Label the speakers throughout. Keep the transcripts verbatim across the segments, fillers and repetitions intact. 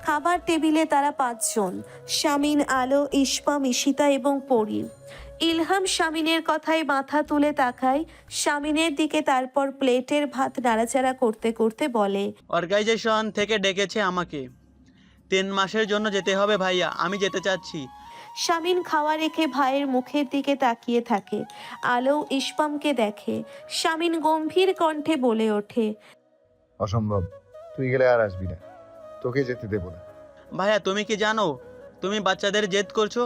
Speaker 1: খাবার টেবিলে তারা পাঁচজন, শামিন, আলো, ইস্পাম, ঈশিতা এবং পরি। ইলহাম শামিনের কথায় মাথা তুলে তাকায় শামিনের দিকে, তারপর প্লেটের ভাত নাড়াচাড়া করতে করতে বলে,
Speaker 2: অর্গানাইজেশন থেকে ডেকেছে আমাকে, তিন মাসের জন্য যেতে হবে ভাইয়া, আমি যেতে চাচ্ছি।
Speaker 1: শামিন খাওয়া রেখে ভাইয়ের মুখের দিকে তাকিয়ে থাকে। আলো ইস্পামকে দেখে। শামিন গম্ভীর কণ্ঠে বলে ওঠে,
Speaker 3: অসম্ভব, তুই গেলে আর আসবি না, তোকে যেতে দেব না।
Speaker 2: ভাইয়া তুমি কি জানো তুমি বাচ্চাদের জেদ করছো?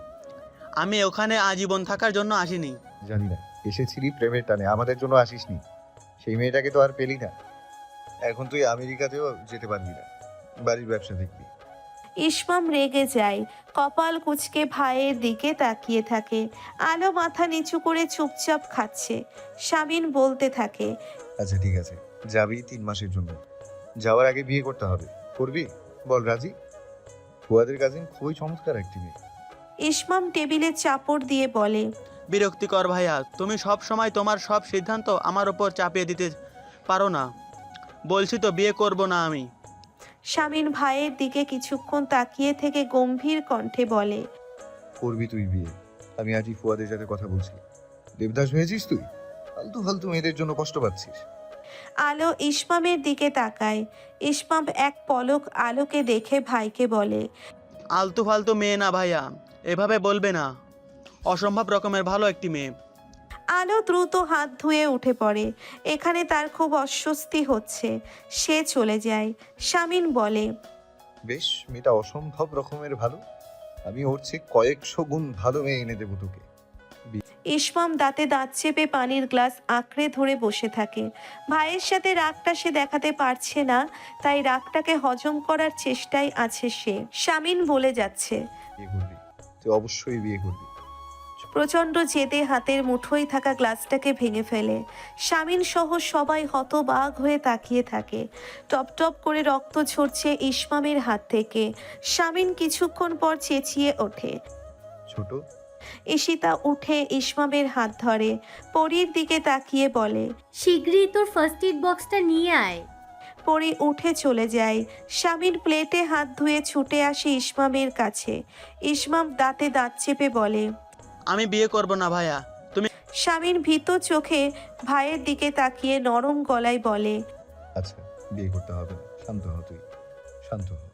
Speaker 2: আমি ওখানে আজীবন থাকার জন্য আসিনি।
Speaker 3: জানি না, এসেছিলি প্রেমের টানে, আমাদের জন্য আসিসনি। সেই মেয়েটাকে তো আর পেলি না। এখন তুই আমেরিকাতেও যেতে পারবি না, বাড়ির ব্যবসা দেখবি।
Speaker 1: ইসমাম রেগে যায়, কপাল কুঁচকে ভাইয়ের দিকে তাকিয়ে থাকে। আলো মাথা নিচু করে চুপচাপ খাচ্ছে। শামিন বলতে থাকে,
Speaker 3: আচ্ছা ঠিক আছে, যাবি তিন মাসের জন্য, যাওয়ার আগে বিয়ে করতে হবে। করবি? বল রাজি। ফুয়াদের কাজিন খুবই চমৎকার একটি মেয়ে।
Speaker 1: ইসমাম টেবিলে চাপড় দিয়ে বলে,
Speaker 2: বিরক্তিকর ভাইয়া, তুমি সব সময় তোমার সব সিদ্ধান্ত আমার ওপর চাপিয়ে দিতে পারো না। বলছি তো বিয়ে করব না আমি।
Speaker 1: শামিন ভাইয়ের দিকে কিছুক্ষণ তাকিয়ে থেকে গম্ভীর কণ্ঠে বলে,
Speaker 3: করবি তুই বিয়ে। আমি আজই ফুয়াদের সাথে কথা বলছি। দেবদাস হয়েছিস তুই, ফালতু ফালতু মেয়েদের জন্য কষ্ট পাচ্ছিস।
Speaker 1: আলো ইসমামের দিকে তাকায়। ইসমাম এক পলক আলোকে দেখে ভাইকে বলে,
Speaker 2: আলতু ফালতু মেয়ে না ভাইয়া, এভাবে বলবে না। অসম্ভব রকমের ভালো একটি মেয়ে।
Speaker 1: আলো দ্রুত হাত ধুয়ে উঠে পড়ে। এখানে তার খুব অস্বস্তি হচ্ছে। সে চলে যায়। শামিন বলে,
Speaker 3: বেশ, মেয়েটা অসম্ভব রকমের ভালো। আমি ওর চেয়ে কয়েকশো গুণ ভালো মেয়ে এনে দেবো তোকে।
Speaker 1: ইসমাম দাঁতে দাঁত চেপে পানির গ্লাস আঁকড়ে ধরে বসে থাকে। ভাইয়ের সাথে রাগটা সে দেখাতে পারছে না, তাই রাগটাকে হজম করার চেষ্টায় আছে সে। শামিন বলে যাচ্ছে,
Speaker 3: বিয়ে করবি, তুই অবশ্যই বিয়ে করবি।
Speaker 1: প্রচণ্ড জেদে হাতের মুঠোয় থাকা গ্লাসটাকে ভেঙে ফেলে। শামিন সহ সবাই হতবাক হয়ে তাকিয়ে থাকে। টপ টপ করে রক্ত ঝরছে ইসমামের হাত থেকে। শামিন কিছুক্ষণ পর চেঁচিয়ে ওঠে।
Speaker 3: ছোট,
Speaker 1: ঈশিতা উঠে ইসমামের হাত ধরে। পরীর দিকে তাকিয়ে বলে,
Speaker 4: শীঘ্রই তোর ফার্স্ট এড বক্সটা নিয়ে আয়।
Speaker 1: পরী উঠে চলে যায়। শামিন প্লেটে হাত ধুয়ে ছুটে আসে ইসমামের কাছে। ইসমাম দাঁতে দাঁত চেপে বলে,
Speaker 2: আমি বিয়ে করব না ভাইয়া। তুমি
Speaker 1: শামিন ভীত চোখে ভাইয়ের দিকে তাকিয়ে নরম গলায় বলে,
Speaker 3: আচ্ছা বিয়ে করতে হবে না, শান্ত হ, তুই শান্ত হ।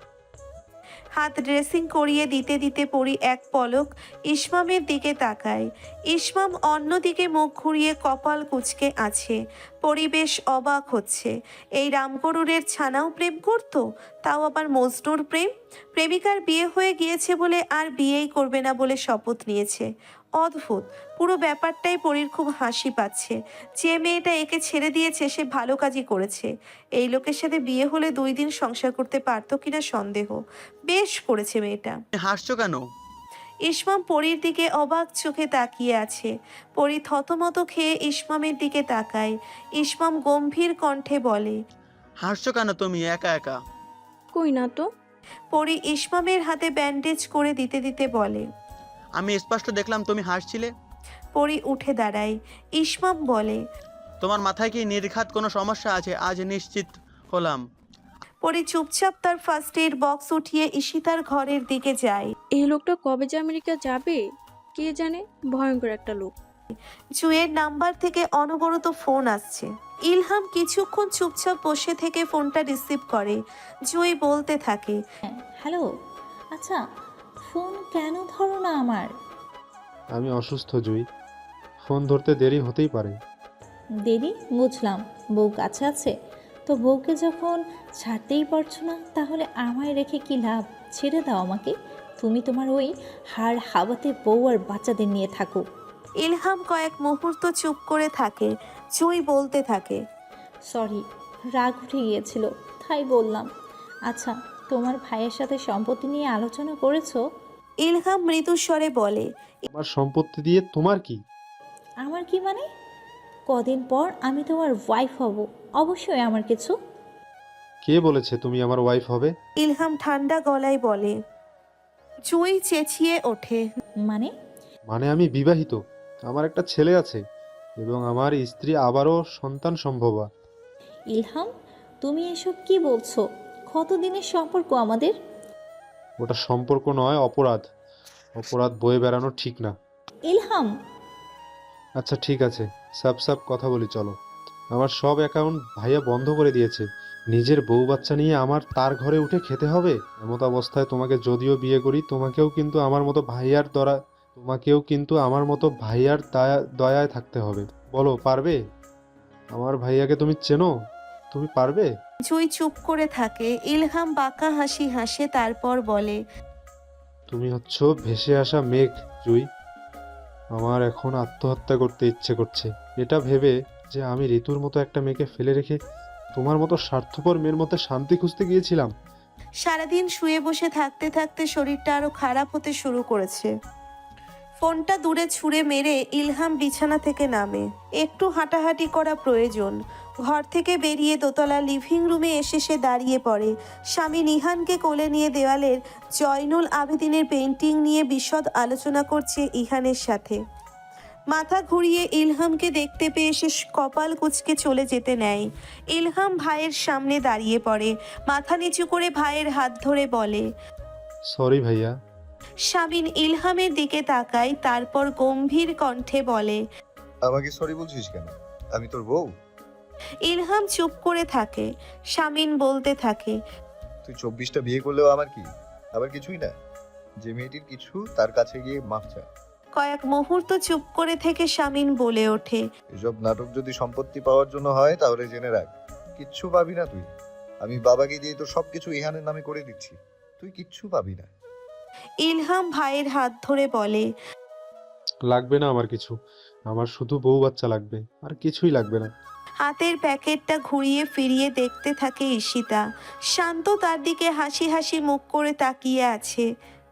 Speaker 1: হাত ড্রেসিং করিয়ে দিতে দিতে পরি এক পলক ইসমামের দিকে তাকায়। ইসমাম অন্যদিকে মুখ ঘুরিয়ে কপাল কুঁচকে আছে। পরিবেশ অবাক হচ্ছে। এই রামগরুরের ছানাও প্রেম করত, তাও আবার মজনুর প্রেম। প্রেমিকার বিয়ে হয়ে গিয়েছে বলে আর বিয়েই করবে না বলে শপথ নিয়েছে। অদ্ভুত, পুরো ব্যাপারটাই পরীর খুব হাসি পাচ্ছে। যে মেয়েটা একে ছেড়ে দিয়েছে সে ভালো কাজই করেছে। এই লোকের সাথে বিয়ে হলে দুই দিন সংসার করতে পারতো কিনা সন্দেহ। বেশ করেছে মেয়েটা।
Speaker 2: হাসছো কেন?
Speaker 1: ইসমাম পরীর দিকে অবাক চোখে তাকিয়ে আছে। পরী থতমত খেয়ে ইসমামের দিকে তাকায়। ইসমাম গম্ভীর কণ্ঠে বলে,
Speaker 2: হাসছো কেন তুমি একা একা?
Speaker 5: কই না তো।
Speaker 1: পরী ইসমামের হাতে ব্যান্ডেজ করে দিতে দিতে বলে।
Speaker 2: আমি স্পষ্ট দেখলাম তুমি হাসছিলে।
Speaker 1: পরী উঠে দাঁড়ায়। ইসমাম বলে,
Speaker 2: তোমার মাথায় কি নির্ঘাত কোনো সমস্যা আছে? আজ নিশ্চিত হলাম।
Speaker 1: পরী চুপচাপ তার ফার্স্ট এড বক্স উঠিয়ে ঈশিতার ঘরের দিকে যায়।
Speaker 5: এই লোকটা কবে যে আমেরিকা যাবে কে জানে, ভয়ঙ্কর একটা লোক।
Speaker 1: জুয়ের নাম্বার থেকে অনবরত ফোন আসছে। ইলহাম কিছুক্ষণ চুপচাপ বসে থেকে ফোনটা রিসিভ করে। জুই বলতে থাকে,
Speaker 6: হ্যালো, আচ্ছা ফোন কেন ধরো না আমার?
Speaker 7: আমি অসুস্থ জুই, ফোন ধরতে দেরি হতেই পারে।
Speaker 6: দেরি বুঝলাম, বউ কাছে আছে তো, বউকে যখন ছাড়তেই পারছো না তাহলে আমায় রেখে কি লাভ? ছেড়ে দাও আমাকে, তুমি তোমার ওই হাড় হাওয়াতে বউ আর বাচ্চাদের নিয়ে থাকো।
Speaker 1: ইলহাম কয়েক মুহূর্ত চুপ করে থাকে। জুই বলতে থাকে,
Speaker 6: সরি, রাগ উঠে গিয়েছিল তাই বললাম। আচ্ছা, তোমার ভাইয়ের সাথে সম্পত্তি নিয়ে আলোচনা করেছো?
Speaker 1: ইলহাম মৃদু স্বরে বলে,
Speaker 7: আমার সম্পত্তি দিয়ে তোমার কি?
Speaker 6: আমার কি মানে? কদিন পর আমি তোমার ওয়াইফ হব, অবশ্যই আমার কিছু।
Speaker 7: কে বলেছে তুমি আমার ওয়াইফ হবে?
Speaker 1: ইলহাম ঠান্ডা গলায় বলে। জুই চেঁচিয়ে ওঠে,
Speaker 6: মানে?
Speaker 7: মানে আমি বিবাহিত, আমার একটা ছেলে আছে এবং আমার স্ত্রী আবারও সন্তান সম্ভবা।
Speaker 6: ইলহাম, তুমি এসব কি বলছো? কতদিনের সম্পর্ক আমাদের?
Speaker 7: ওটা সম্পর্ক নয়, অপরাধ। অপরাধ বয়ে বেড়ানো ঠিক না।
Speaker 6: ইলহাম,
Speaker 7: আচ্ছা ঠিক আছে, সাপ সাপ কথা বলি চলো। আমার সব অ্যাকাউন্ট ভাইয়া বন্ধ করে দিয়েছে। নিজের বউ বাচ্চা নিয়ে আমার তার ঘরে উঠে খেতে হবে? এমত অবস্থায় তোমাকে যদিও বিয়ে করি, তোমাকেও কিন্তু আমার মতো ভাইয়ার দরা তোমাকেও কিন্তু আমার মতো ভাইয়ার দয়া দয়ায় থাকতে হবে। বলো, পারবে? আমার ভাইয়াকে তুমি চেনো? তুমি পারবে?
Speaker 1: জুই চুপ করে থাকে। ইলহাম বাঁকা হাসি হাসে, তারপর বলে,
Speaker 7: তুমি হচ্ছ ভেসে আসা মেঘ, জুই। আমার এখন আত্মহত্যা করতে ইচ্ছে করছে, এটা ভেবে যে আমি ঋতুর মতো একটা মেয়েকে ফেলে রেখে তোমার মতো স্বার্থপর মেয়ের মধ্যে শান্তি খুঁজতে গিয়েছিলাম।
Speaker 1: সারাদিন শুয়ে বসে থাকতে থাকতে শরীরটা আরো খারাপ হতে শুরু করেছে। ফোনটা দূরে ছুঁড়ে মেরে ইলহাম বিছানা থেকে নামে। একটু হাঁটাহাঁটি করা প্রয়োজন। ঘর থেকে বেরিয়ে দোতলা লিভিং রুমে এসে সে দাঁড়িয়ে পড়ে। স্বামী নিহানকে কোলে নিয়ে দেওয়ালের জয়নুল আবেদিনের পেন্টিং নিয়ে বিশদ আলোচনা করছে ইহানের সাথে। মাথা ঘুরিয়ে ইলহামকে দেখতে পেয়ে সে কপাল কুঁচকে চলে যেতে নেয়। ইলহাম ভাইয়ের সামনে দাঁড়িয়ে পড়ে, মাথা নিচু করে ভাইয়ের হাত ধরে বলে।
Speaker 7: সরি ভাইয়া।
Speaker 1: শামিন ইলহামের দিকে তাকায়, তারপর গম্ভীর কণ্ঠে বলে,
Speaker 3: আমাকে সরি বলছিস কেন? আমি তোর বউ।
Speaker 1: ইলহাম চুপ করে থাকে। শামিন বলতে থাকে,
Speaker 3: তুই চব্বিশটা বিয়ে করলেও আমার কি? আবার কিছুই না। যে মেয়েটির কিছু, তার কাছে গিয়ে মাফ চা।
Speaker 1: কয়েক মুহূর্ত চুপ করে থেকে শামিন বলে ওঠে,
Speaker 3: এসব নাটক যদি সম্পত্তি পাওয়ার জন্য হয় তাহলে জেনে রাখ, কিচ্ছু পাবি না তুই। আমি বাবাকে দিয়ে তো সবকিছু ইহানের নামে করে দিচ্ছি, তুই কিচ্ছু পাবি না।
Speaker 1: ইলহাম ভাইয়ের হাত ধরে বলে,
Speaker 7: লাগবে না আমার কিছু, আমার শুধু বউ বাচ্চা লাগবে, আর কিছুই লাগবে না।
Speaker 1: হাতের প্যাকেটটা ঘুরিয়ে ফিরিয়ে দেখতে থাকে ঈশিতা। শান্ত তার দিকে হাসি হাসি মুখ করে তাকিয়ে আছে।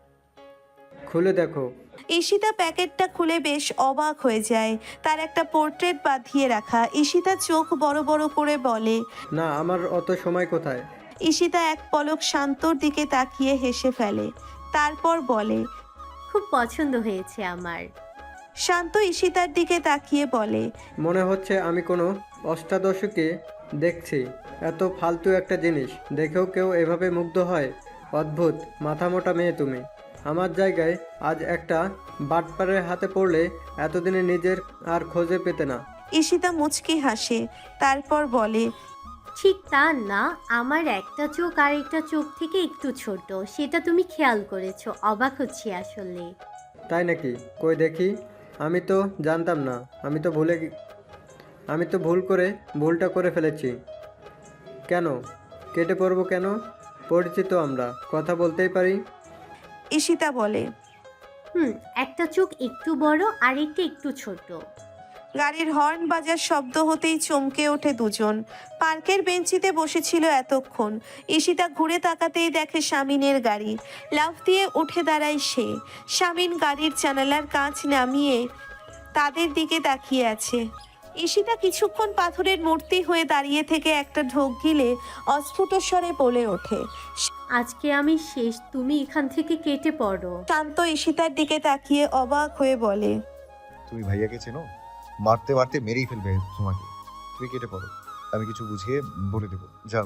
Speaker 8: খুলে দেখো।
Speaker 1: ঈশিতা প্যাকেটটা খুলে বেশ অবাক হয়ে যায়। তার একটা পোর্ট্রেট বাঁধিয়ে রাখা। ঈশিতা চোখ বড় বড় করে বলে,
Speaker 8: না, আমার অত সময় কোথায়।
Speaker 1: ঈশিতা এক পলক শান্তর দিকে তাকিয়ে হেসে ফেলে, তারপর বলে,
Speaker 4: খুব পছন্দ হয়েছে আমার।
Speaker 1: শান্ত ঈশিতার দিকে তাকিয়ে বলে,
Speaker 8: মনে হচ্ছে আমি কোনো অষ্টাদশকে দেখছি। এত ফালতু একটা জিনিস দেখেও কেউ এভাবে মুগ্ধ হয়? অদ্ভুত মাথা মোটা মেয়ে তুমি। আমার জায়গায় আজ একটা বাটপারের হাতে পড়লে এতদিনে নিজের আর খোঁজে পেতে না।
Speaker 1: ঈশিতা মুচকি হাসে, তারপর বলে,
Speaker 4: ঠিক তা না, আমার একটা চোখ আর একটা চোখ থেকে একটু ছোট, সেটা তুমি খেয়াল করেছো। অবাক হচ্ছি আসলে।
Speaker 8: তাই নাকি? কই দেখি। আমি তো জানতাম না। আমি তো ভুলে গে- আমি তো ভুল করে ভুলটা করে ফেলেছি। কেন কেটে পড়বো কেন? পরিচিত, আমরা কথা বলতেই পারি।
Speaker 1: ঈশিতা বলে,
Speaker 4: হুম, একটা চোখ একটু বড় আর একটা একটু ছোট।
Speaker 1: গাড়ির হর্ন বাজার শব্দ হতেই চমকে ওঠে দুজন। পার্কের বেঞ্চিতে বসেছিল এতক্ষণ। ঈশিতা ঘুরে তাকাতেই দেখে শামিনের গাড়ি। লাফ দিয়ে উঠে দাঁড়ায় সে। শামিন গাড়ির জানালার কাঁচ নামিয়ে তাদের দিকে তাকিয়ে আছে। ঈশিতা কিছুক্ষণ পাথরের মূর্তি হয়ে দাঁড়িয়ে থেকে একটা ঢোক গিলে অস্ফুট স্বরে বলে ওঠে।
Speaker 4: আজকে আমি শেষ, তুমি এখান থেকে কেটে পড়ো।
Speaker 1: শান্ত ঈশিতার দিকে তাকিয়ে অবাক হয়ে বলে,
Speaker 3: তুমি ভাইয়াকে চেনো? মারতে মারতে মেরেই ফেলবে তোমাকে। তুই কেটে পড়ো, আমি কিছু বুঝিয়ে বলে দেবো, যাও।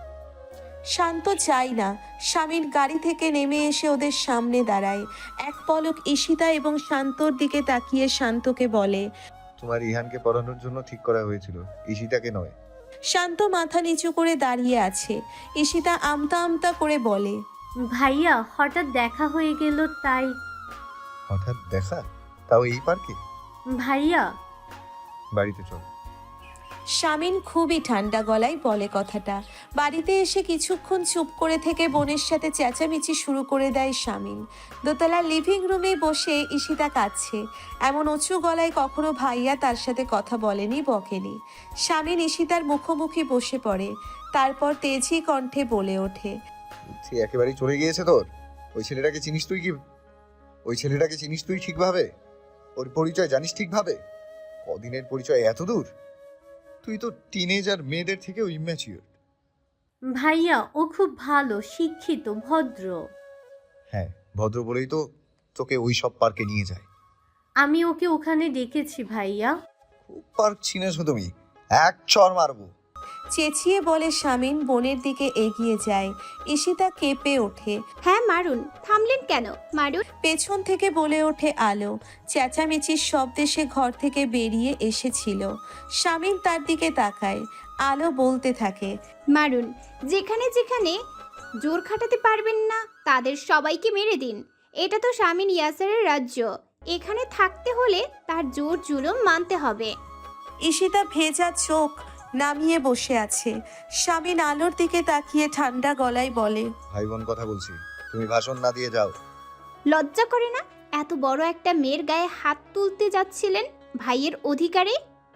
Speaker 1: শান্ত চাই না। স্বামীর গাড়ি থেকে নেমে এসে ওদের সামনে দাঁড়ায়। এক পলক ঈশিতা এবং শান্তর দিকে তাকিয়ে শান্তকে বলে,
Speaker 3: তোমার ইহানকে পড়ানোর জন্য ঠিক করা হয়েছিল, ঈশিতাকে নয়।
Speaker 1: শান্ত মাথা নিচু করে দাঁড়িয়ে আছে। ঈশিতা আমতা আমতা করে বলে,
Speaker 4: ভাইয়া, হঠাৎ দেখা হয়ে গেল তাই।
Speaker 3: হঠাৎ দেখা? তাও এই পার্কে?
Speaker 4: ভাইয়া,
Speaker 3: বাড়িতে চল।
Speaker 1: শামিন খুবই ঠান্ডা গলায় বলে কথাটা। বাড়িতে এসে কিছুক্ষণ চুপ করে থেকে বোনের সাথে চেঁচামেচি শুরু করে দেয় শামিন। দোতলা লিভিং রুমে বসে ঈশিতা কাঁদছে। এমন উঁচু গলায় কখনো ভাইয়া তার সাথে কথা বলেনি, বকেনি। শামিন ঈশিতার মুখোমুখি বসে পড়ে, তারপর তেজি কণ্ঠে বলে ওঠে,
Speaker 3: সে একেবারেই চলে গিয়েছে তোর? ওই ছেলেটাকে চিনিস তুই কি? ওই ছেলেটাকে চিনিস তুই ঠিকভাবে? ওর পরিচয় জানিস ঠিকভাবে? কদিনের পরিচয় এত দূর? তুই তো টিনেজার মেয়েদের থেকেও ইম্যাচিওর।
Speaker 4: ভাইয়া ও খুব ভালো, শিক্ষিত, ভদ্র।
Speaker 3: হ্যাঁ, ভদ্র বলেই তো তোকে ওই সব পার্কে নিয়ে যায়।
Speaker 4: আমি ওকে ওখানে ডেকেছি ভাইয়া।
Speaker 3: খুব পার্ক চিনেছো তুমি, এক চর মারবো।
Speaker 1: চেঁচিয়ে বলে শামিন বোনের দিকে এগিয়ে যায়। ঈশিতা কেঁপে ওঠে।
Speaker 9: হ্যাঁ মারুন, থামলেন কেন? মারুন।
Speaker 1: পেছন থেকে বলে ওঠে আলো। চেঁচামেচির শব্দে সে ঘর থেকে বেরিয়ে এসেছিল। শামিন তার দিকে তাকায়। আলো বলতে থাকে,
Speaker 9: মারুন, যেখানে যেখানে জোর খাটাতে পারবেন না তাদের সবাইকে মেরে দিন। এটা তো শামিন ইয়াসারের রাজ্য, এখানে থাকতে হলে তার জোর জুলুম মানতে হবে।
Speaker 1: ঈশিতা ভেজা চোখ নামিয়ে বসে আছে। শামিন আলোর দিকে তাকিয়ে ঠান্ডা গলায় বলে,
Speaker 3: ভাই বোন কথা বলছি, তুমি ভাষণ না দিয়ে যাও।
Speaker 9: লজ্জা করে না? এত বড় একটা মেয়ের গায়ে হাত তুলতে যাচ্ছিলেন ভাইয়ের অধিকারে?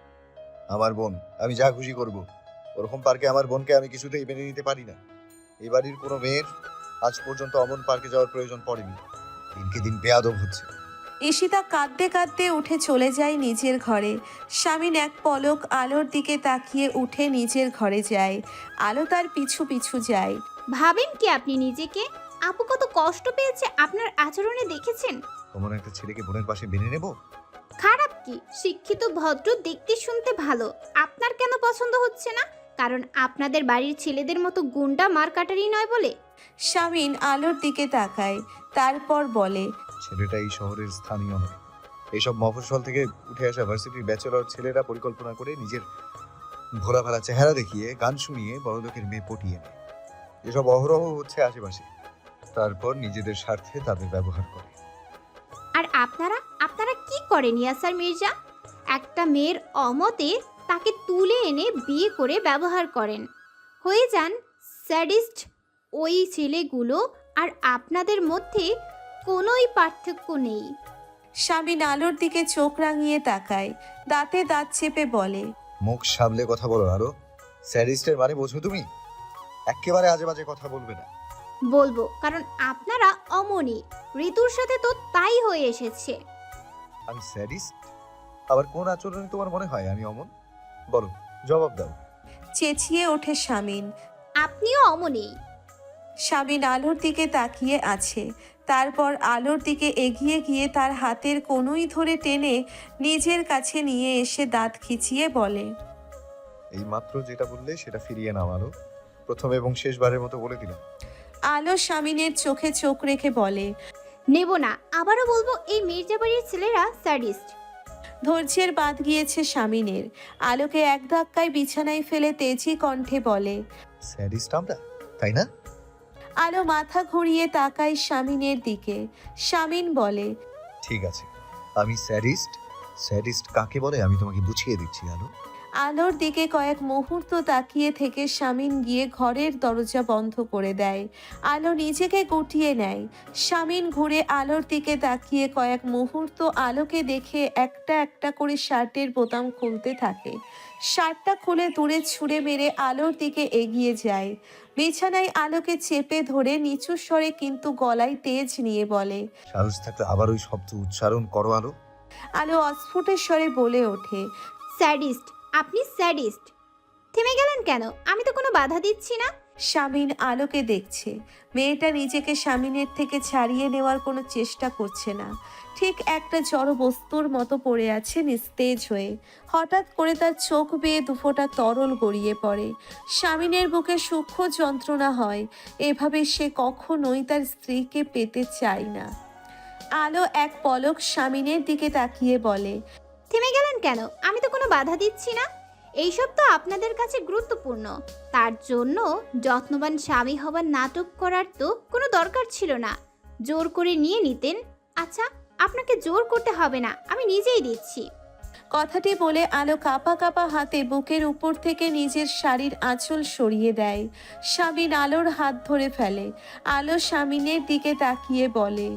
Speaker 3: আমার বোন, আমি যা খুশি করব। ওরকম পার্কে আমার বোনকে আমি কিছুতেই মেনে নিতে পারি না। এই বাড়ির কোনো মেয়ের আজ পর্যন্ত অমন পার্কে যাওয়ার প্রয়োজন পড়েনি। দিনকে দিন বেয়াদব হচ্ছে।
Speaker 1: ঈশিতা কাঁদতে কাঁদতে উঠে চলে যায় নিজের ঘরে। শামিন এক পলক আলোর দিকে তাকিয়ে উঠে নিজের ঘরে যায়। আলো তার পিছু পিছু যায়।
Speaker 9: ভাবেন কি আপনি নিজেকে? আপু কত কষ্ট পেয়েছে আপনার আচরণে দেখেছেন?
Speaker 3: অমন একটা ছেলেকে বোনের পাশে মেনে নেব?
Speaker 9: খারাপ কি? শিক্ষিত ভদ্র, দেখতে শুনতে ভালো। আপনার কেন পছন্দ হচ্ছে না? কারণ আপনাদের বাড়ির ছেলেদের মতো গুন্ডা মারকাটারি নয় বলে?
Speaker 1: শামিন আলোর দিকে তাকায়, তারপর বলে,
Speaker 3: ছেলেটা এই শহরের স্থানীয় নয়। এইসব মফস্বল থেকে উঠে আসা ভার্সিটির ব্যাচেলর ছেলেরা পরিকল্পনা করে নিজের ভোলা ভালা চেহারা দেখিয়ে গান শুনিয়ে বড়লোকের মেয়ে পটিয়ে নেয়। এসব অহরহ হচ্ছে আশেপাশে। তারপর নিজেদের স্বার্থে তাদের ব্যবহার করে।
Speaker 9: আর আপনারা আপনারা কি করেন ইয়াসার মির্জা? একটা মেয়ের অমতে তাকে তুলে এনে বিয়ে করে ব্যবহার করেন। হয়ে যান স্যাডিস্ট। ওই ছেলেগুলো আর আপনাদের মধ্যে কোনোই পার্থক্য নেই।
Speaker 1: শামিন আলোর দিকে চোখ রাঙিয়ে তাকায়, দাঁতে দাঁত চেপে বলে,
Speaker 3: মুখ সামলে কথা বলো আরো। স্যাডিস্টের মানে বোঝো তুমি? একেবারে আজে বাজে কথা বলবে না।
Speaker 9: বলবো, কারণ আপনারা অমনি। ঋতুর সাথে তো তাই হয়ে এসেছে।
Speaker 3: আমি স্যাডিস্ট? আবার কোন আচরণে তোমার মনে হয় আমি অমন? বলো, জবাব দাও।
Speaker 1: চেঁচিয়ে ওঠে শামিন।
Speaker 9: আপনিও অমনি।
Speaker 1: শামিন আলোর দিকে তাকিয়ে আছে। তারপর আলোর দিকে এগিয়ে গিয়ে তার হাতের কনুই ধরে টেনে নিজের কাছে নিয়ে এসে দাঁত খিচিয়ে বলে,
Speaker 3: এই মাত্র যেটা বললে সেটা ফিরিয়ে নাও আলো। প্রথম এবং শেষবারের মতো বলে দিলাম।
Speaker 1: আলো শামিনের চোখে চোখ রেখে বলে,
Speaker 9: নেব না। আবারও বলবো, এই মির্জাবাড়ির ছেলেরা স্যাডিস্ট।
Speaker 1: ধৈর্যের বাঁধ গিয়েছে শামিনের। আলোকে এক ধাক্কায় বিছানায় ফেলে তেজি কণ্ঠে বলে,
Speaker 3: স্যাডিস্ট আমরা, তাই না?
Speaker 1: আলো মাথা ঘুরিয়ে তাকায় শামিনের দিকে। শামিন বলে,
Speaker 3: ঠিক আছে, আমি স্যাডিস্ট। স্যাডিস্ট কাকে বলে আমি তোমাকে বুঝিয়ে দিচ্ছি আলো।
Speaker 1: আলোর দিকে কয়েক মুহূর্ত তাকিয়ে থেকে শামিন গিয়ে ঘরের দরজা বন্ধ করে দেয়। আলো নিজেকে গুটিয়ে নেয়। শামিন ঘুরে আলোর দিকে তাকিয়ে কয়েক মুহূর্ত আলোকে দেখে একটা একটা করে শার্টের বোতাম খুলতে থাকে। শার্টটা খুলে দূরে ছুঁড়ে মেরে আলোর দিকে এগিয়ে যায়। বিছানায় আলোকে চেপে ধরে নিচু স্বরে কিন্তু গলায় তেজ নিয়ে বলে,
Speaker 3: সাহস থাকলে আবার ওই শব্দ উচ্চারণ করো আলো।
Speaker 1: আলো অস্ফুটের স্বরে বলে ওঠে,
Speaker 9: স্যাডিস্ট, আপনি স্যাডিস্ট। থেমে গেলেন কেন? আমি তো কোনো বাধা দিচ্ছি না।
Speaker 1: শামিন আলোকে দেখছে। মেয়েটা নিজেকে শামিনের থেকে ছাড়িয়ে নেওয়ার কোনো চেষ্টা করছে না। ঠিক একটা জড় বস্তুর মতো পড়ে আছে নিস্তেজ হয়ে। হঠাৎ করে তার চোখ বেয়ে দুফোঁটা তরল গড়িয়ে পড়ে। শামিনের বুকে সূক্ষ্ম যন্ত্রণা হয়। এভাবে সে কখনোই তার স্ত্রীকে পেতে চায় না। আলো এক পলক শামিনের দিকে তাকিয়ে বলে,
Speaker 9: থেমে গেলেন কেন? আমি তো কোনো বাধা দিচ্ছি না। এইসব তো আপনাদের কাছে গুরুত্বপূর্ণ। তার জন্য যত্নবান স্বামী হবার নাটক করার তো কোনো দরকার ছিল না। জোর করে নিয়ে নিতেন। আচ্ছা, আপনাকে জোর করতে হবে না, আমি নিজেই দিচ্ছি।
Speaker 1: কথাটি বলে আলো কাঁপা কাঁপা হাতে বুকের উপর থেকে নিজের শাড়ির আঁচল সরিয়ে দেয়। শামিন আলোর হাত ধরে ফেলে। আলো শামিনের দিকে তাকিয়ে বলে,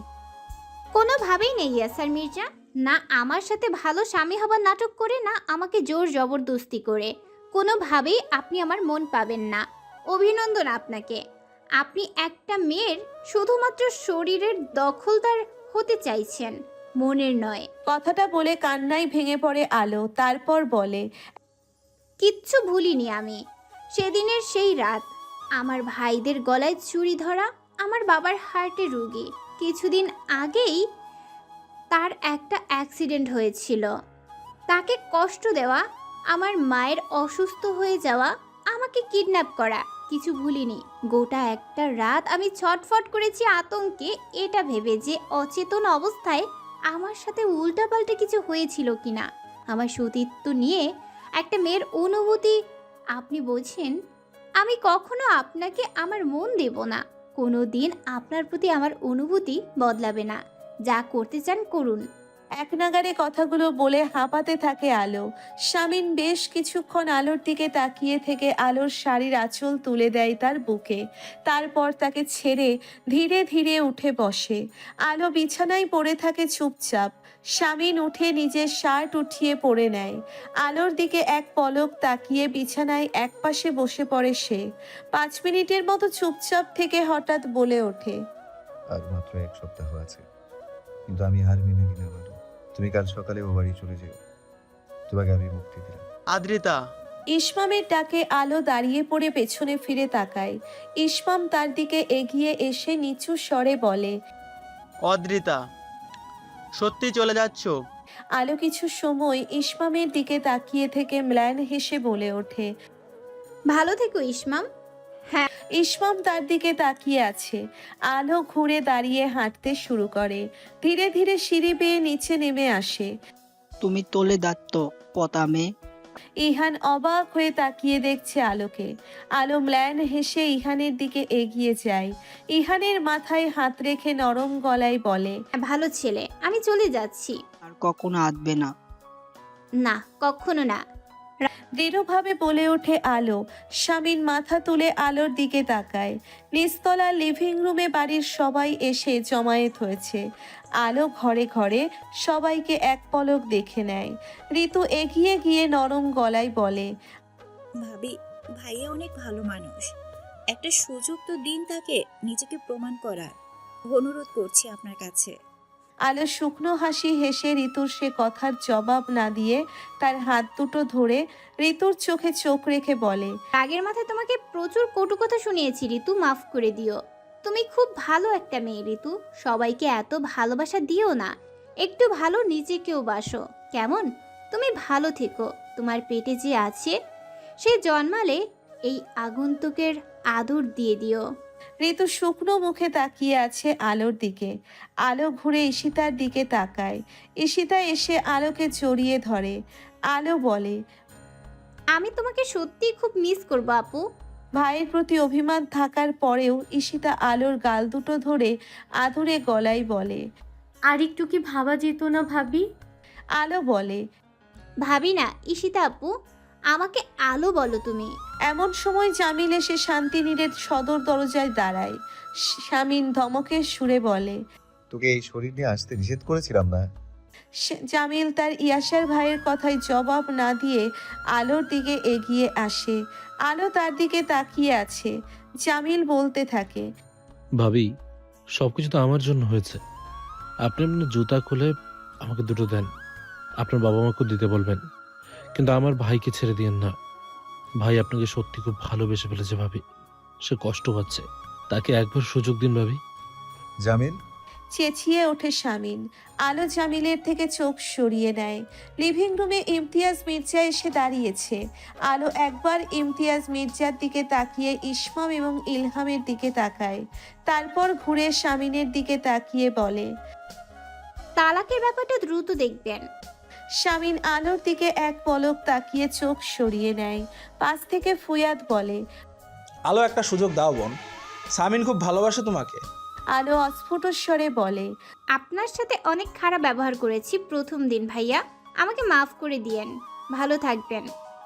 Speaker 9: কোনোভাবেই নেই ইয়াসার মির্জা। না আমার সাথে ভালো স্বামী হবার নাটক করে, না আমাকে জোর জবরদস্তি করে। কোনোভাবেই আপনি আমার মন পাবেন না। অভিনন্দন আপনাকে। আপনি একটা মেয়ের শুধুমাত্র শরীরের দখলদার হতে চাইছেন, মনের নয়।
Speaker 1: কথাটা বলে কান্নায় ভেঙে পড়ে আলো। তারপর বলে,
Speaker 9: কিচ্ছু ভুলিনি আমি। সেদিনের সেই রাত, আমার ভাইদের গলায় চুরি ধরা, আমার বাবার হার্টে রোগী। কিছুদিন আগেই তার একটা অ্যাক্সিডেন্ট হয়েছিল। তাকে কষ্ট দেওয়া, আমার মায়ের অসুস্থ হয়ে যাওয়া, আমাকে কিডন্যাপ করা, কিছু ভুলিনি। গোটা একটা রাত আমি ছটফট করেছি আতঙ্কে, এটা ভেবে যে অচেতন অবস্থায় আমার সাথে উল্টাপাল্টা কিছু হয়েছিল কিনা। আমার সতীত্ব নিয়ে একটা মেয়ের অনুভূতি আপনি বোঝেন। আমি কখনো আপনাকে আমার মন দেব না, কোনো দিন আপনার প্রতি আমার অনুভূতি বদলাবে না। যা করতে চান করুন।
Speaker 1: এক নাগারে কথাগুলো বলে হাঁপাতে থাকে আলো। শামিন বেশ কিছুক্ষণ আলোর দিকে তাকিয়ে থেকে আলোর শাড়ির আঁচল তুলে দেয় তার বুকে। তারপর তাকে ছেড়ে ধীরে ধীরে উঠে বসে। আলো বিছানায় পড়ে থাকে চুপচাপ। শামিন উঠে নিজের শার্ট উঠিয়ে পরে নেয়। আলোর দিকে এক পলক তাকিয়ে বিছানায় একপাশে বসে পড়ে সে। পাঁচ মিনিটের মতো চুপচাপ থেকে হঠাৎ বলে ওঠে,
Speaker 3: আর মাত্র এক সপ্তাহ আছে, কিন্তু আমি হার মেনে নিলাম আরো। তুমি কাল সকালে ও বাড়ি চলে যেও, তোমাকে আমি মুক্তি দিলাম।
Speaker 2: আদ্রিতা।
Speaker 1: ইসমামের ডাকে আলো দাঁড়িয়ে পড়ে পেছনে ফিরে তাকায়। ইসমাম তার দিকে এগিয়ে এসে নিচু স্বরে বলে,
Speaker 2: অদ্রিতা, সত্যি চলে যাচ্ছ?
Speaker 1: আলো কিছু সময় ইসমামের দিকে তাকিয়ে থেকে ম্লান হেসে বলে ওঠে।
Speaker 9: ভালো থেকো ইসমাম।
Speaker 1: ইসমাম তার দিকে তাকিয়ে আছে। আলো ঘুরে দাঁড়িয়ে হাঁটতে শুরু করে। ধীরে ধীরে সিঁড়ি বেয়ে নিচে নেমে আসে।
Speaker 10: তুমি তোলে দাত্ত পতামে।
Speaker 1: ইহান অবাক হয়ে তাকিয়ে দেখছে আলোকে। আলো ম্লান হেসে ইহানের দিকে এগিয়ে যায়। ইহানের মাথায় হাত রেখে নরম গলায় বলে,
Speaker 9: ভালো ছেলে, আমি চলে যাচ্ছি।
Speaker 10: আর কখনো আসবে না।
Speaker 9: না, কখনো না।
Speaker 1: দৃঢ়ভাবে বলে ওঠে আলো। শামিন মাথা তুলে আলোর দিকে তাকায়। নিচতলা লিভিং রুমে বাড়ির সবাই এসে জমায়েত হয়েছে। আলো ঘরে ঘরে সবাইকে এক পলক দেখে নেয়। ঋতু এগিয়ে গিয়ে নরম গলায় বলে,
Speaker 11: ভাবি, ভাইয়া অনেক ভালো মানুষ, একটা সুযোগ তো দিন তাকে নিজেকে প্রমাণ করার। অনুরোধ করছি আপনার কাছে।
Speaker 1: আলো শুকনো হাসি হেসে ঋতুর সে কথার জবাব না দিয়ে তার হাত দুটো ধরে ঋতুর চোখে চোখ রেখে বলে,
Speaker 9: রাগের মাথায় তোমাকে প্রচুর কটু কথা শুনিয়েছি ঋতু, মাফ করে দিও। তুমি খুব ভালো একটা মেয়ে ঋতু, সবাইকে এত ভালোবাসা দিও না। একটু ভালো নিজেকেও বাসো, কেমন? তুমি ভালো থেকো। তোমার পেটে যে আছে সে জন্মালে এই আগন্তুকের আদর দিয়ে দিও।
Speaker 1: ঋতু শুকনো মুখে তাকিয়ে আছে আলোর দিকে। আলো ঘুরে ঈশিতার দিকে তাকায়। ঈশিতা এসে আলোকে জড়িয়ে ধরে। আলো বলে,
Speaker 9: আমি তোমাকে সত্যিই খুব মিস করবো আপু।
Speaker 1: ভাইয়ের প্রতি অভিমান থাকার পরেও ঈশিতা আলোর গাল দুটো ধরে আদুরে গলায় বলে,
Speaker 4: আর একটু কি ভাবা যেত না ভাবি?
Speaker 1: আলো বলে,
Speaker 9: ভাবি না ঈশিতা আপু, আমাকে আলো বলো তুমি।
Speaker 1: এমন সময় জামিল এসে শান্তিনীরের সদর দরজায় দাঁড়ায়। শামিন ধমকের সুরে বলে,
Speaker 3: তোকে এই শরীর নিয়ে আসতে নিষেধ করেছিলাম না?
Speaker 1: সে- জামিল তার ইয়াসার ভাইয়ের কথায় জবাব না দিয়ে আলোর দিকে এগিয়ে আসে। আলো তার দিকে তাকিয়ে আছে। জামিল বলতে থাকে,
Speaker 12: ভাবি, সব কিছু তো আমার জন্য হয়েছে। আপনি আপনার জুতা খুলে আমাকে দুটো দেন, আপনার বাবা মাকেও দিতে বলবেন, কিন্তু আমার ভাইকে ছেড়ে দিয়েন না। ভাই আপনাকে সত্যি খুব ভালোবেসে ফেলেছে ভাবি, সে কষ্ট পাচ্ছে, তাকে একবার সুযোগ দিন ভাবি।
Speaker 3: জামিল,
Speaker 1: চেঁচিয়ে ওঠে শামিন। আলো জামিলের থেকে চোখ সরিয়ে নেয়। লিভিং রুমে ইমতিয়াজ মির্জা এসে দাঁড়িয়েছে। আলো একবার ইমতিয়াজ মির্জার দিকে তাকিয়ে ইসমাম এবং ইলহামের দিকে তাকায়। তারপর ঘুরে শামিনের দিকে তাকিয়ে বলে,
Speaker 9: তালাকের ব্যাপারটা দ্রুত দেখবেন।
Speaker 1: শামিন আলোর দিকে এক পলক তাকিয়ে চোখ সরিয়ে নেয়। পাশ থেকে ফুয়াদ বলে,
Speaker 13: আলো, একটা সুযোগ দাও বোন, সামিন খুব ভালোবাসে তোমাকে।
Speaker 1: আলো অস্ফুট স্বরে বলে,
Speaker 9: আপনার সাথে অনেক খারাপ ব্যবহার করেছি প্রথম দিন ভাইয়া, আমাকে মাফ করে দিয়েন। ভালো থাকবেন।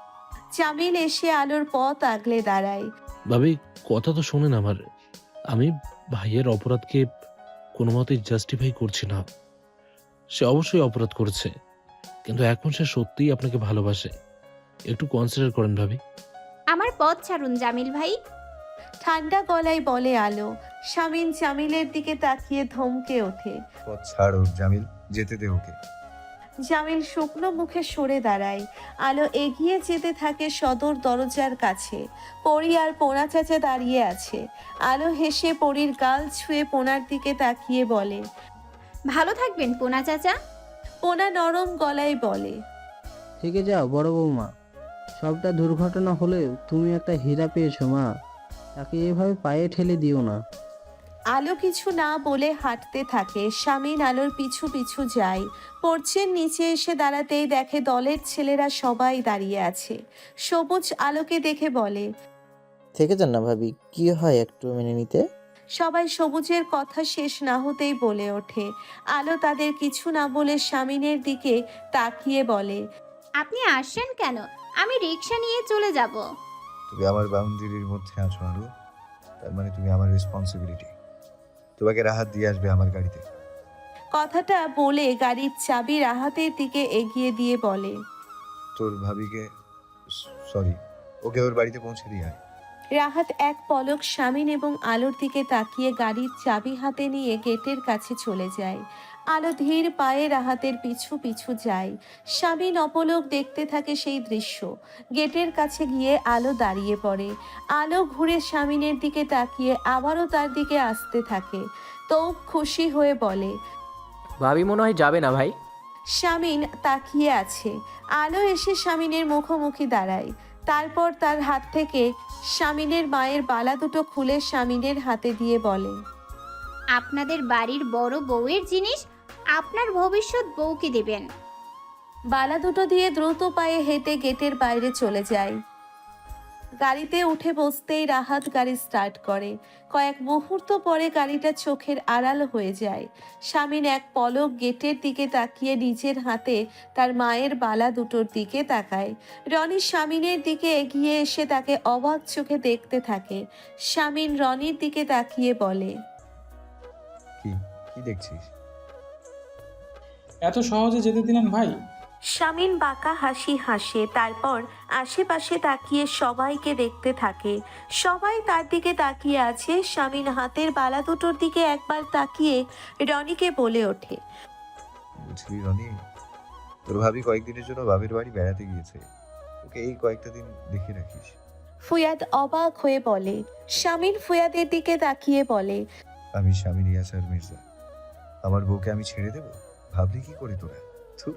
Speaker 1: জামিল এসে আলোর পথ আগলে দাঁড়ায়।
Speaker 12: ভাবি, কথা তো শোনেন আমার। আমি ভাইয়ের অপরাধকে কোনো মতেই জাস্টিফাই করছি না। সে অবশ্যই অপরাধ করেছে, কিন্তু এখন সে সত্যিই আপনাকে ভালোবাসে। একটু কনসিডার করেন ভাবি।
Speaker 9: আমার পথ ছাড়ুন জামিল ভাই।
Speaker 1: ঠান্ডা গলায় বলে আলো। শামিন জামিলের দিকে তাকিয়ে ধমকে ওঠে।
Speaker 3: পথ ছাড় ওর জামিল, যেতে দে ওকে।
Speaker 1: জামিল শুকনো মুখে সরে দাঁড়ায়। আলো এগিয়ে যেতে থাকে সদর দরজার কাছে। পরি আর পোনা চাচা দাঁড়িয়ে আছে। আলো হেসে পরির গাল ছুঁয়ে পোনার দিকে তাকিয়ে বলে,
Speaker 9: ভালো থাকবেন পোনা চাচা।
Speaker 1: পোনা নরম গলায় বলে,
Speaker 10: থেকে যাও বড় বৌমা।
Speaker 14: সবটা দুর্ঘটনা হলেও তুমি একটা হীরা পেয়েছো মা, তাকে এভাবে পায়ে ঠেলে দিও না।
Speaker 1: আলো কিছু না বলে হাঁটতে থাকে। স্বামীন আলোর পিছু পিছু যায়। পর্চের নিচে এসে দাঁড়াতেই দেখে দলের ছেলেরা সবাই দাঁড়িয়ে আছে। সবুজ আলোকে দেখে বলে,
Speaker 15: থেকে যান না ভাবি, কি হয় একটু মেনে নিতে।
Speaker 1: সবাই সবুজের কথা শেষ না হতেই বলে ওঠে। আলো তাদের কিছু না বলে স্বামীনের দিকে তাকিয়ে বলে,
Speaker 9: আপনি আসছেন কেন? আমি রিক্সা নিয়ে চলে যাব।
Speaker 3: তুমি আমার বাউন্ডারির মধ্যে আছো আরো, তার মানে তুমি আমার রেসপন্সিবিলিটি। তোমাকে রাহাত দিয়ে আসবে আমার গাড়িতে।
Speaker 1: কথাটা বলে গাড়ির চাবি রাহাতের দিকে এগিয়ে দিয়ে বলে,
Speaker 3: তোর ভাবিকে, সরি, ওকে ওর বাড়িতে পৌঁছে দিয়ে আয়।
Speaker 1: রাহাত এক পলক স্বামীন এবং আলোর দিকে তাকিয়ে গাড়ির চাবি হাতে নিয়ে গেটের কাছে চলে যায়। আলো ধীর পায়ে রাহাতের পিছু পিছু যায়। স্বামীন অপলক দেখতে থাকে সেই দৃশ্য। গেটের কাছে গিয়ে আলো দাঁড়িয়ে পড়ে। আলো ঘুরে স্বামীনের দিকে তাকিয়ে আবারও তার দিকে আসতে থাকে। তো খুশি হয়ে বলে,
Speaker 16: ভাবি মনে হয় যাবে না ভাই।
Speaker 1: স্বামীন তাকিয়ে আছে। আলো এসে স্বামীনের মুখোমুখি দাঁড়ায়। তারপর তার হাত থেকে স্বামীনের মায়ের বালা দুটো খুলে স্বামীনের হাতে দিয়ে বলে,
Speaker 9: আপনাদের বাড়ির বড় বউয়ের জিনিস আপনার ভবিষ্যৎ বউকে দেবেন।
Speaker 1: বালা দুটো দিয়ে দ্রুত পায়ে হেঁটে গেটের বাইরে চলে যায়। গাড়িতে উঠে বসতেই রাহাত গাড়ি স্টার্ট করে। কয়েক মুহূর্ত পরে গাড়িটা চোখের আড়াল হয়ে যায়। স্বামীন এক পলক গেটের দিকে তাকিয়ে নিজের হাতে তার মায়ের বালা দুটোর দিকে তাকায়। রনি স্বামীনের দিকে এগিয়ে এসে তাকে অবাক চোখে দেখতে থাকে। স্বামীন রনির দিকে তাকিয়ে বলে,
Speaker 3: কি কি দেখছিস?
Speaker 17: এত সহজে যেতে দিলেন ভাই?
Speaker 1: স্বামীন বাঁকা হাসি হাসে। তারপর আশেপাশে তাকিয়ে সবাইকে দেখতে থাকে। সবাই তার দিকে তাকিয়ে আছে। স্বামীন হাতের বালা দুটোর দিকে একবার তাকিয়ে রনিকে বলে ওঠে,
Speaker 3: বুঝলি রনি, তোর ভাবি কয়েকদিনের জন্য বাবির বাড়ি বেড়াতে গিয়েছে, ওকে এই কয়েকটা দিন দেখে রাখিস।
Speaker 1: ফুয়াদ অবাক হয়ে বলে। স্বামীন ফুয়াদের দিকে তাকিয়ে বলে,
Speaker 3: আমি স্বামী ইয়াসার মির্জা, আমার বউকে আমি ছেড়ে দেব? ভাবলি কি করে তোরা? থুর।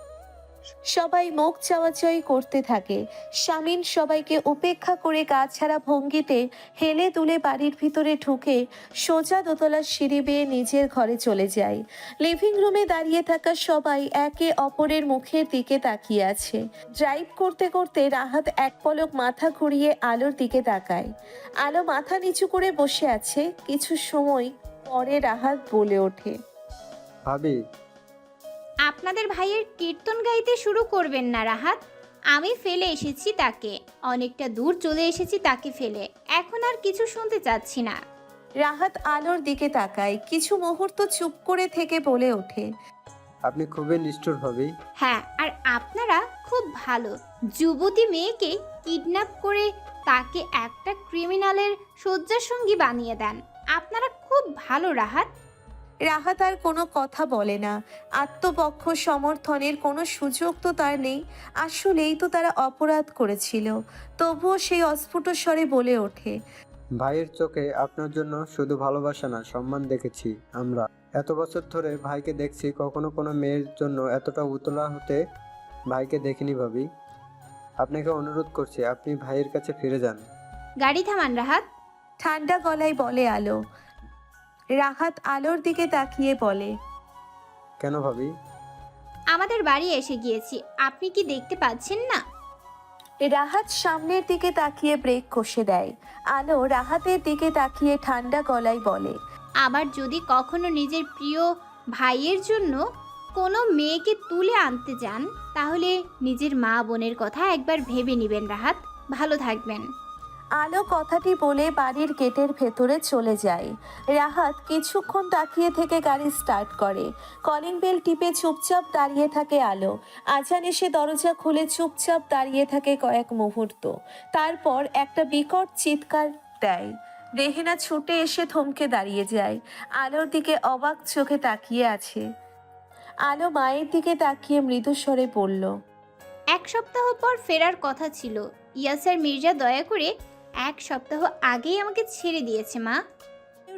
Speaker 1: সবাই মুখ চাওয়াচাই করতে থাকে। স্বামীন সবাইকে উপেক্ষা করে গা ছাড়া ভঙ্গিতে হেলে দুলে বাড়ির ভিতরে ঢুকে সোজা দোতলার সিঁড়ি বেয়ে নিজের ঘরে চলে যায়। লিভিং রুমে দাঁড়িয়ে থাকা সবাই একে অপরের মুখের দিকে তাকিয়ে আছে। ড্রাইভ করতে করতে রাহাত এক পলক মাথা ঘুরিয়ে আলোর দিকে তাকায়। আলো মাথা নিচু করে বসে আছে। কিছু সময় পরে রাহাত বলে ওঠে,
Speaker 8: ভাবি,
Speaker 9: আপনাদের ভাইয়ের কীর্তন গাইতে শুরু করবেন না রাহাত। আমি ফেলে এসেছি তাকে, অনেকটা দূর চলে এসেছি তাকে ফেলে। এখন আর কিছু শুনতে চাচ্ছি না।
Speaker 1: রাহাত আলোর দিকে তাকায়। কিছু মুহূর্ত চুপ করে থেকে বলে ওঠে,
Speaker 8: আপনি খুবই নিষ্ঠুর ভাবি।
Speaker 9: হ্যাঁ, আর আপনারা খুব ভালো। যুবতী মেয়েকে কিডন্যাপ করে তাকে একটা ক্রিমিনালের শয্যাসঙ্গী বানিয়ে দেন। আপনারা খুব ভালো রাহাত।
Speaker 1: রাহাত আর কোনো কথা বলে না। আত্মপক্ষ সমর্থনের কোনো সুযোগ তো তার নেই। আসলেই তো তারা অপরাধ করেছিল। তবুও সেই অস্ফুট স্বরে বলে ওঠে,
Speaker 8: ভাইয়ের চোখে আপনার জন্য শুধু ভালোবাসা না, সম্মান দেখেছি আমরা। এত বছর ধরে ভাইকে দেখছি, কখনো কোনো মেয়ের জন্য এতটা উতলা হতে ভাইকে দেখিনি ভাবি। আপনাকে অনুরোধ করছি, আপনি ভাইয়ের কাছে ফিরে যান।
Speaker 9: গাড়ি থামান রাহাত।
Speaker 1: ঠান্ডা গলায় বলে আলো। রাহাত আলোর দিকে তাকিয়ে বলে,
Speaker 8: কেন ভাবি?
Speaker 9: আমাদের বাড়ি এসে গিয়েছি, আপনি কি দেখতে পাচ্ছেন না?
Speaker 1: রাহাত সামনের দিকে তাকিয়ে ব্রেক কষে দেয়। আলো রাহাতের দিকে তাকিয়ে ঠান্ডা গলায় বলে,
Speaker 9: আবার যদি কখনো নিজের প্রিয় ভাইয়ের জন্য কোনো মেয়েকে তুলে আনতে যান, তাহলে নিজের মা বোনের কথা একবার ভেবে নেবেন রাহাত। ভালো থাকবেন।
Speaker 1: আলো কথাটি বলে বাড়ির গেটের ভেতরে চলে যায়। রাহাত কিছুক্ষণ তাকিয়ে থেকে গাড়ি স্টার্ট করে। কলিং বেল টিপে চুপচাপ দাঁড়িয়ে থাকে আলো। আজান এসে দরজা খুলে চুপচাপ দাঁড়িয়ে থাকে কয়েক মুহূর্ত। তারপর একটা বিকট চিৎকার দেয়। রেহেনা ছুটে এসে থমকে দাঁড়িয়ে যায়। আলোর দিকে অবাক চোখে তাকিয়ে আছে। আলো মায়ের দিকে তাকিয়ে মৃদুস্বরে বলল,
Speaker 9: এক সপ্তাহ পর ফেরার কথা ছিল। ইয়াসার মির্জা দয়া করে এক সপ্তাহ আগেই আমাকে ছেড়ে দিয়েছে মা।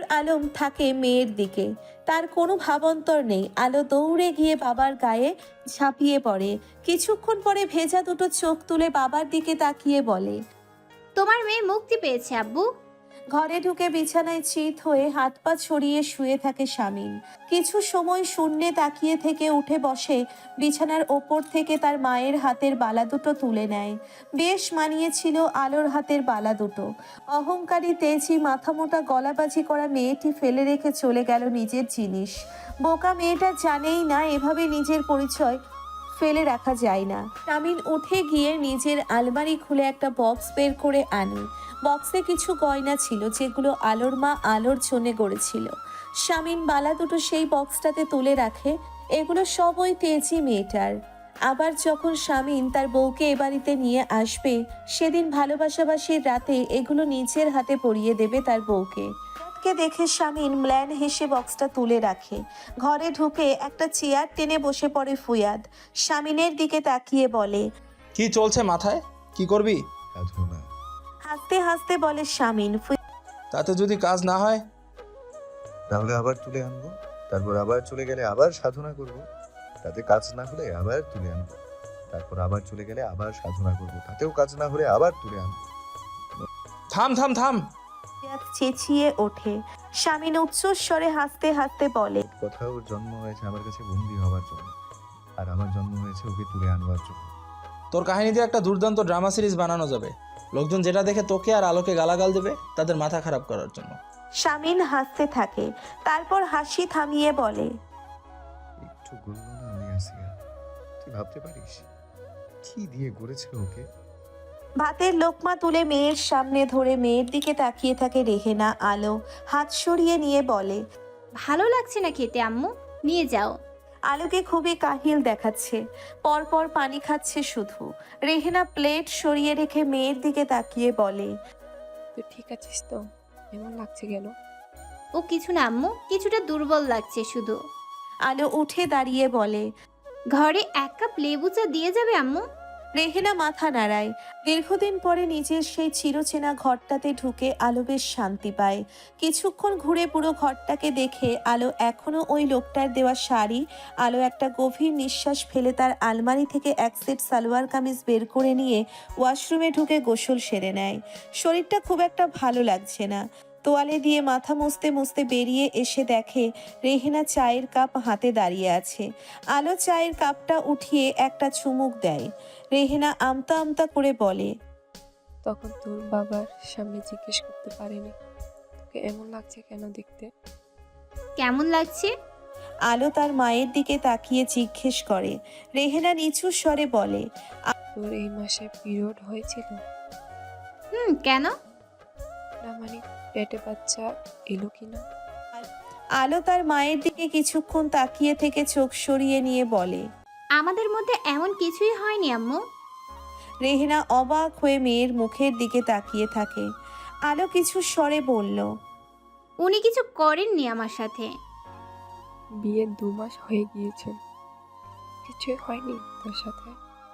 Speaker 1: আলম থাকে মেয়ের দিকে, তার কোনো ভাবান্তর নেই। আলো দৌড়ে গিয়ে বাবার গায়ে ঝাঁপিয়ে পড়ে। কিছুক্ষণ পরে ভেজা দুটো চোখ তুলে বাবার দিকে তাকিয়ে বলে,
Speaker 9: তোমার মেয়ে মুক্তি পেয়েছে আব্বু।
Speaker 1: ঘরে ঢুকে বিছানায় চিত হয়ে হাত পা ছড়িয়ে শুয়ে থাকে শামিন। কিছু সময় শূন্যে তাকিয়ে থেকে উঠে বসে, বিছানার ওপর থেকে তার মায়ের হাতের বালা দুটো তুলে নেয়। বেশ মানিয়েছিল আলোর হাতের বালা দুটো। অহংকারী তেজি মাথামোটা গলাবাজি করা মেয়েটি ফেলে রেখে চলে গেল নিজের জিনিস। বোকা মেয়েটা জানেই না এভাবে নিজের পরিচয় ফেলে রাখা যায় না। শামিন উঠে গিয়ে নিজের আলমারি খুলে একটা বক্স বের করে আনে। বক্সে কিছু গয়না ছিল যেগুলো আলোর মা আলোর জন্য গড়েছিল। শামিন বালা দুটো সেই বক্সটাতে তুলে রাখে। এগুলো সব ওই তেজি মেয়েটার। আবার যখন শামিন তার বউকে এ বাড়িতে নিয়ে আসবে, সেদিন ভালোবাসাবাসির রাতে এগুলো নিজের হাতে পরিয়ে দেবে তার বউকে। কে দেখে শামিন ম্ল্যান হেসে বক্সটা তুলে রাখে। ঘরে ঢুকে একটা চেয়ার টেনে বসে পড়ে ফুয়াদ। শামিনের দিকে তাকিয়ে বলে,
Speaker 13: কি চলছে মাথায়? কি করবি?
Speaker 3: সাধনা।
Speaker 1: হাসতে হাসতে বলে শামিন।
Speaker 13: তাতে যদি কাজ না হয়?
Speaker 3: তাহলে আবার তুলে আনবো, তারপর আবার চলে গেলে আবার সাধনা করব। তাতে কাজ না হলে আবার তুলে আনবো, তারপর আবার চলে গেলে আবার সাধনা করব। তাতেও কাজ না হলে আবার তুলে আনবো।
Speaker 13: থাম থাম থাম।
Speaker 1: ফুয়াদ চেঁচিয়ে ওঠে। শামিন উচ্চস্বরে হাসতে হাসতে বলে,
Speaker 3: কথা ওর জন্ম হয়েছে আমার কাছে বন্দি হওয়ার জন্য, আর আমার জন্ম হয়েছে ওকে তুলে আনবার জন্য।
Speaker 13: তোর কাহিনী দিয়ে একটা দুর্দান্ত ড্রামা সিরিজ বানানো যাবে। লোকজন যেটা দেখে তোকে আর আলোকে গালাগাল দেবে তাদের মাথা খারাপ করার জন্য।
Speaker 1: শামিন হাসতে থাকে, তারপর হাসি থামিয়ে বলে,
Speaker 3: একটু গড়ল না আমি আসিয়া, তুই ভাবতে পারিস কি দিয়ে গড়েছে ওকে?
Speaker 1: ভাতের লোকমা তুলে মেয়ের সামনে ধরে মেয়ের দিকে তাকিয়ে থাকে রেহেনা। আলো হাত সরিয়ে নিয়ে বলে,
Speaker 9: ভালো লাগছে না খেতে আম্মু, নিয়ে যাও।
Speaker 1: আলোকে খুবই কাহিল দেখাচ্ছে, পরপর পানি খাচ্ছে শুধু। রেহেনা প্লেট সরিয়ে রেখে মেয়ের দিকে তাকিয়ে বলে,
Speaker 5: তুই ঠিক আছিস তো? এমন লাগছে কেন?
Speaker 9: ও কিছু না আম্মু, কিছুটা দুর্বল লাগছে শুধু।
Speaker 1: আলো উঠে দাঁড়িয়ে বলে,
Speaker 9: ঘরে এক কাপ লেবু চা দিয়ে যাবে আম্মু?
Speaker 1: রেহেনা মাথা নাড়ায়। দীর্ঘদিন পরে নিজের সেই চিরচেনা ঘরটাতে ঢুকে আলো বেশ শান্তি পায়। কিছুক্ষণ ঘুরে পুরো ঘরটাকে দেখে আলো এখনো ওই লোকটার দেওয়া শাড়ি। আলো একটা গভীর নিঃশ্বাস ফেলে তার আলমারি থেকে এক সেট সালোয়ার কামিজ বের করে নিয়ে ওয়াশরুমে ঢুকে গোসল সেরে নেয়। শরীরটা খুব একটা ভালো লাগছে না। তোয়ালে দিয়ে মাথা মুছতে মুছতে বেরিয়ে এসে দেখে রেহেনা চায়ের কাপ হাতে দাঁড়িয়ে আছে। আলো চায়ের কাপটা উঠিয়ে একটা চুমুক দেয়। রেহেনা আমতা আমতা করে বলে,
Speaker 5: তখন তোর বাবার সামনে জিজ্ঞেস করতে পারিনি তোকে এমন লাগছে কেন দেখতে?
Speaker 9: কেমন লাগছে?
Speaker 1: আলো তার মায়ের দিকে তাকিয়ে জিজ্ঞেস করে। রেহেনা নিচু স্বরে বলে,
Speaker 5: তোর এই মাসে পিরিয়ড হয়েছিল?
Speaker 9: হুম, কেন?
Speaker 5: না মানে পেটে বাচ্চা এলো কিনা?
Speaker 1: আলো তার মায়ের দিকে কিছুক্ষণ তাকিয়ে থেকে চোখ সরিয়ে নিয়ে বলে,
Speaker 9: আমাদের মধ্যে এমন কিছুই হয়নি আম্মু।
Speaker 1: রেহেনা অবাক হয়ে মেয়ের মুখের দিকে তাকিয়ে থাকে। আলো কিছু স্বরে বলল,
Speaker 9: উনি কিছু করেননি আমার সাথে।
Speaker 5: বিয়ের দু মাস হয়ে গিয়েছে, কিছুই হয়নি তোর সাথে?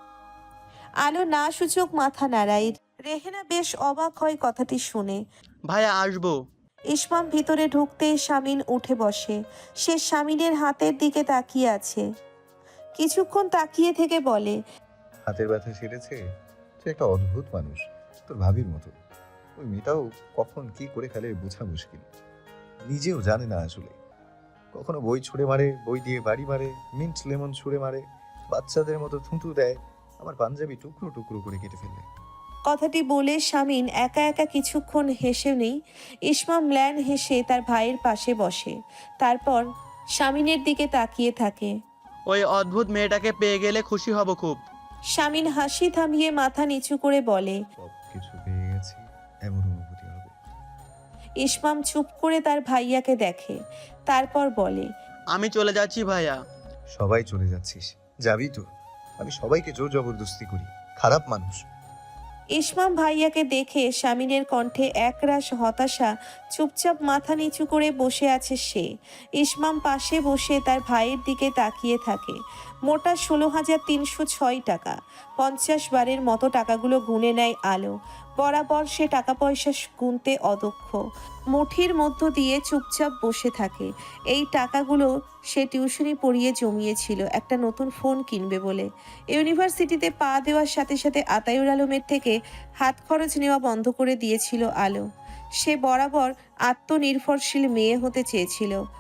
Speaker 1: আলো না সূচক মাথা নাড়ায়। রেহেনা বেশ অবাক হয় কথাটি শুনে।
Speaker 2: ভাইয়া আসবো।
Speaker 1: ইসমাম ভিতরে ঢুকতেই শামিন উঠে বসে। সে শামিনের হাতের দিকে তাকিয়ে আছে। কিছুক্ষণ তাকিয়ে থেকে বলে,
Speaker 3: হাতের ব্যথা সেরেছে? তুই একটা অদ্ভুত মানুষ, তোর ভাবির মতো। ওই মেয়েটাও কখন কি করে ফেলে বোঝা মুশকিল। নিজেও জানে না আসলে। কখনো বই ছুঁড়ে মারে, বই দিয়ে বাড়ি মারে, মিন্ট লেমন ছুঁড়ে মারে, বাচ্চাদের মতো থুঁতু দেয়, আমার পাঞ্জাবি টুকরো টুকরো করে কেটে ফেলে।
Speaker 1: কথাটি বলে শামিন একা একা কিছুক্ষণ হেসে নেই। ইসমাম ম্ল্যান হেসে তার ভাইয়ের পাশে বসে, তারপর শামিনের দিকে তাকিয়ে থাকে।
Speaker 2: ওই অদ্ভুত মেয়েটাকে পেয়ে গেলে খুশি হব খুব।
Speaker 1: শামিন হাসি থামিয়ে মাথা নিচু করে বলে,
Speaker 3: সব কিছু পেয়ে গেছি, এমন অনুভূতি হবে।
Speaker 1: ইসমাম চুপ করে তার ভাইয়াকে দেখে, তারপর বলে,
Speaker 2: আমি চলে যাচ্ছি ভাইয়া।
Speaker 3: সবাই চলে যাচ্ছিস? যাবি তো? আমি সবাইকে জোর জবরদস্তি করি, খারাপ মানুষ।
Speaker 1: ইসমাম ভাইয়াকে দেখে শামিনের কণ্ঠে একরাশ হতাশা। চুপচাপ মাথা নিচু করে বসে আছে সে। ইসমাম পাশে বসে তার ভাইয়ের দিকে তাকিয়ে থাকে। মোটা ষোলো হাজার তিনশো ছয় টাকা। পঞ্চাশ বারের মতো টাকাগুলো গুনে নেয় আলো। বরাবর সে টাকা পয়সা গুনতে অদক্ষ। মুঠির মধ্য দিয়ে চুপচাপ বসে থাকে। এই টাকাগুলো সে টিউশনি পড়িয়ে জমিয়েছিল একটা নতুন ফোন কিনবে বলে। ইউনিভার্সিটিতে পা দেওয়ার সাথে সাথে আতায়ুর আলমের থেকে হাত খরচ নেওয়া বন্ধ করে দিয়েছিল আলো। সে বরাবর আত্মনির্ভরশীল মেয়ে হতে চেয়েছিল।